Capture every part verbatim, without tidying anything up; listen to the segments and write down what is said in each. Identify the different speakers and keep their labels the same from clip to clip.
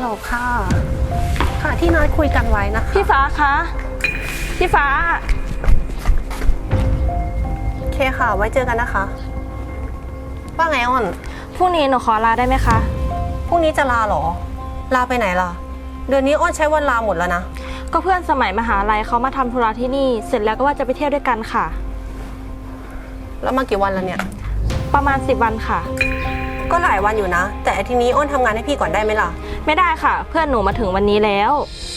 Speaker 1: ลค่ะค่ะที่นัดคุยกันไว้นะคะ
Speaker 2: พี่ฟ้าคะพี่ฟ้า
Speaker 1: โอเคค่ะไว้เจอกันนะคะว่าไงอ้อน
Speaker 2: พรุ่งนี้หนูขอลาได้ไหมคะ
Speaker 1: พรุ่งนี้จะลาเหรอลาไปไหนล่ะเดือนนี้อ้อนใช้วันลาหมดแล้วนะ
Speaker 2: ก็เพื่อนสมัยมหาลัยเขามาทำธุระที่นี่เสร็จแล้วก็ว่าจะไปเที่ยวด้วยกันค่ะ
Speaker 1: แล้วมากี่วันแล้วเนี่ย
Speaker 2: ประมาณสิบวันค่ะ
Speaker 1: ก็หลายวันอยู่นะแต่ทีนี้อ้อนทำงานให้พี่ก่อนได้ไหมล่ะ
Speaker 2: ไม่ได้ค่ะเพื่อนหนูมาถึงวันนี้แล้ว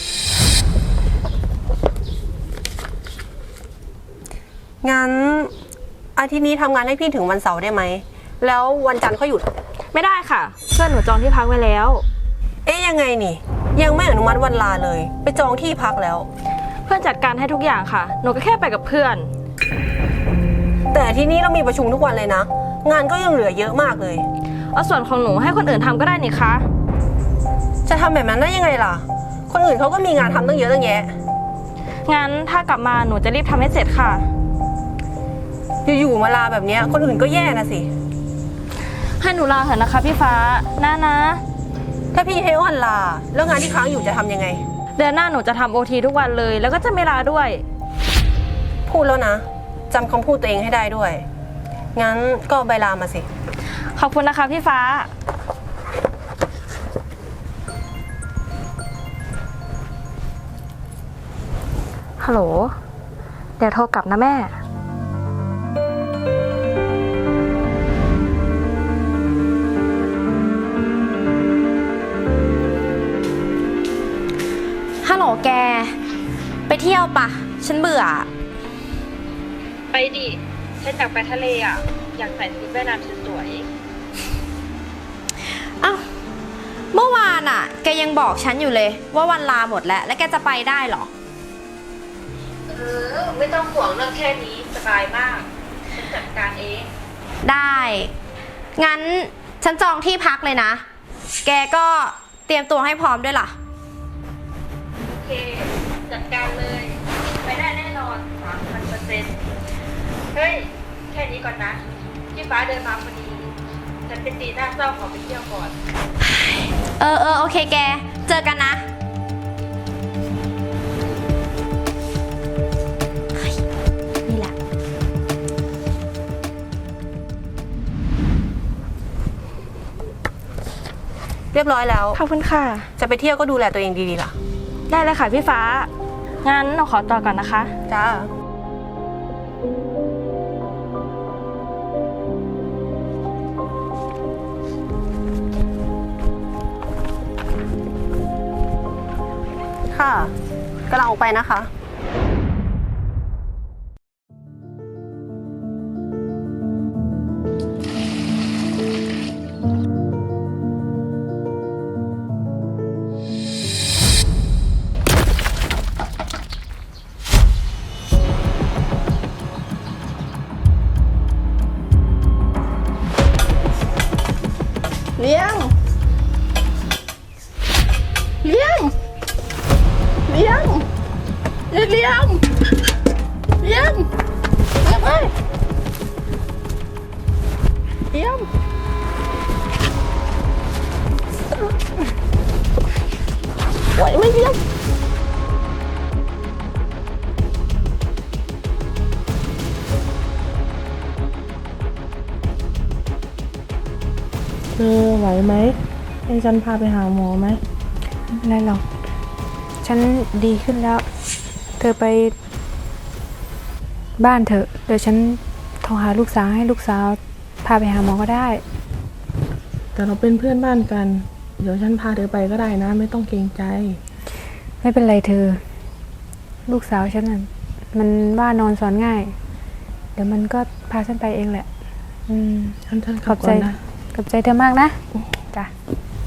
Speaker 1: งั้นอาทิตย์นี้ทำงานให้พี่ถึงวันเสาร์ได้ไหมแล้ววันจันทร์ก็หยุด
Speaker 2: ไม่ได้ค่ะเพื่อนหนูจองที่พักไว้แล้ว
Speaker 1: เอ๊ยยังไงนี่ยังไม่อนุมัติวันลาเลยไปจองที่พักแล้ว
Speaker 2: เพื่อนจัดการให้ทุกอย่างค่ะหนูก็แค่ไปกับเพื่อน
Speaker 1: แต่ที่นี้เรามีประชุมทุกวันเลยนะงานก็ยังเหลือเยอะมากเลย
Speaker 2: เอาส่วนของหนูให้คนอื่นทำก็ได้นี่คะ
Speaker 1: จะทำแบบนั้นได้ยังไงล่ะคนอื่นเขาก็มีงานทำตั้งเยอะตั้งแยะ
Speaker 2: งั้นถ้ากลับมาหนูจะรีบทำให้เสร็จค่ะ
Speaker 1: อยู่ๆมาลาแบบนี้คนอื่นก็แย่นะสิ
Speaker 2: ให้หนูลาเถอะนะคะพี่ฟ้านะนะ
Speaker 1: ถ้าพี่ให้อ้อนลาแล้วงานที่ค้างอยู่จะทำยังไง
Speaker 2: เดือนหน้าหนูจะทำโอทีทุกวันเลยแล้วก็จะไม่ลาด้วย
Speaker 1: พูดแล้วนะจำคำพูดตัวเองให้ได้ด้วยงั้นก็ใบลามาสิ
Speaker 2: ขอบคุณนะคะพี่ฟ้าฮัลโหลเดี๋ยวโทรกลับนะแม่
Speaker 3: ฮัลโหลแกไปเที่ยวปะฉันเบื่อ
Speaker 2: ไปดิฉันอยากไปทะเลอ่ะอยากใส่ชุดว่ายน้ำสวย
Speaker 3: ๆอ้าวเมื่อวานอ่ะแกยังบอกฉันอยู่เลยว่าวันลาหมดแล้วแล้วแกจะไปได้หรอ
Speaker 2: เออไม่ต้องห่วงเรื่องแค่นี้สบายมากฉันจัดการเอง
Speaker 3: ได้งั้นฉันจองที่พักเลยนะแกก็เตรียมตัวให้พร้อมด้วยล่ะ
Speaker 2: โอเคจัดการเลยไปได้แน่นอนสามพันเปอร์เซ็นต์เฮ้ยแค่นี้ก่อนนะพี่ฟ้าเดินมาพอดีฉันเป็นตีหน้าเศร้าขอไปเที่ยวก่อน
Speaker 3: เออเออโอเคแกเจอกันนะนี่แหละ
Speaker 1: เรียบร้อยแล้ว
Speaker 2: ขอบคุณค่ะ
Speaker 1: จะไปเที่ยวก็ดูแลตัวเองดีๆล่ะ
Speaker 2: ได้เลยค่ะพี่ฟ้างั้นหนูขอต่อก่อนนะคะ
Speaker 1: จ้าค่ะกำลังออกไปนะคะเลี้ยงเลี้ยงเลี้ยงเลี้ยงเลี้ยงเลี้ยงไปเลี้ยงไหวไหมเลี้ยง
Speaker 4: เธอไหวไหมให้ฉันพาไปหาหมอไหม
Speaker 5: ไม่เป็นไรหรอกฉันดีขึ้นแล้วเธอไปบ้านเถอะเดี๋ยวฉันโทรหาลูกสาวให้ลูกสาวพาไปหาหมอก็ได้
Speaker 4: แต่เราเป็นเพื่อนบ้านกันเดี๋ยวฉันพาเธอไปก็ได้นะไม่ต้องเกรงใจ
Speaker 5: ไม่เป็นไรเธอลูกสาวฉันน่ะมันว่านอนสอนง่ายเดี๋ยวมันก็พาฉันไปเองแหละอืม
Speaker 4: ฉันฉัน
Speaker 5: ขอบใจนะขอบใจเธอมากนะจ้ะ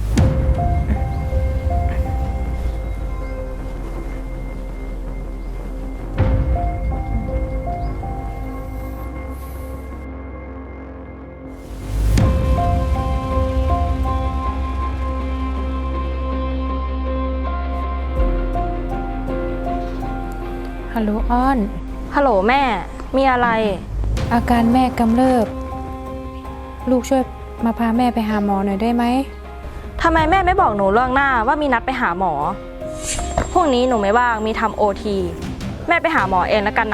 Speaker 5: ฮัลโหลอ้อน
Speaker 2: ฮัลโหลแม่มีอะไร
Speaker 5: อาการแม่กำเริบลูกช่วยมาพาแม่ไปหาหมอหน่อยได้ไหม
Speaker 6: ทำไมแม่ไม่บอกหนูล่วงหน้าว่ามีนัดไปหาหมอ พรุ่งนี้หนูไม่ว่างมีทำโอที แม่ไปหาหมอเองแล้วกันนะ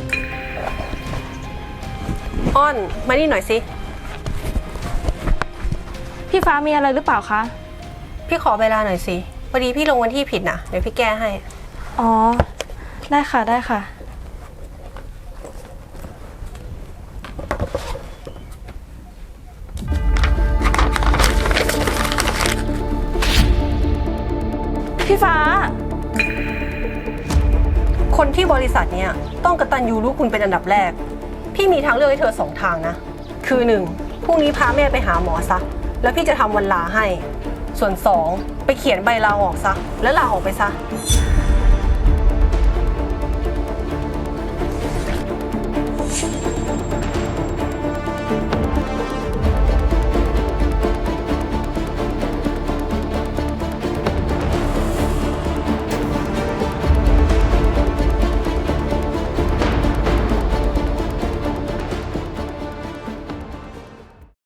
Speaker 7: อ้อนมานี่หน่อยสิ
Speaker 6: พี่ฟ้ามีอะไรหรือเปล่าคะ
Speaker 7: พี่ขอเวลาหน่อยสิพอดีพี่ลงวันที่ผิดนะเดี๋ยวพี่แก้ให้
Speaker 6: อ๋อ ได้ค่ะได้ค่ะ พี่ฟ้า
Speaker 7: คนที่บริษัทเนี้ยต้องกตัญญูรู้คุณเป็นอันดับแรก พี่มีทางเลือกให้เธอสองทางนะ คือหนึ่งพรุ่งนี้พาแม่ไปหาหมอซะแล้วพี่จะทำวันลาให้ ส่วนสองไปเขียนใบลาออกซะแล้วลาออกไปซะ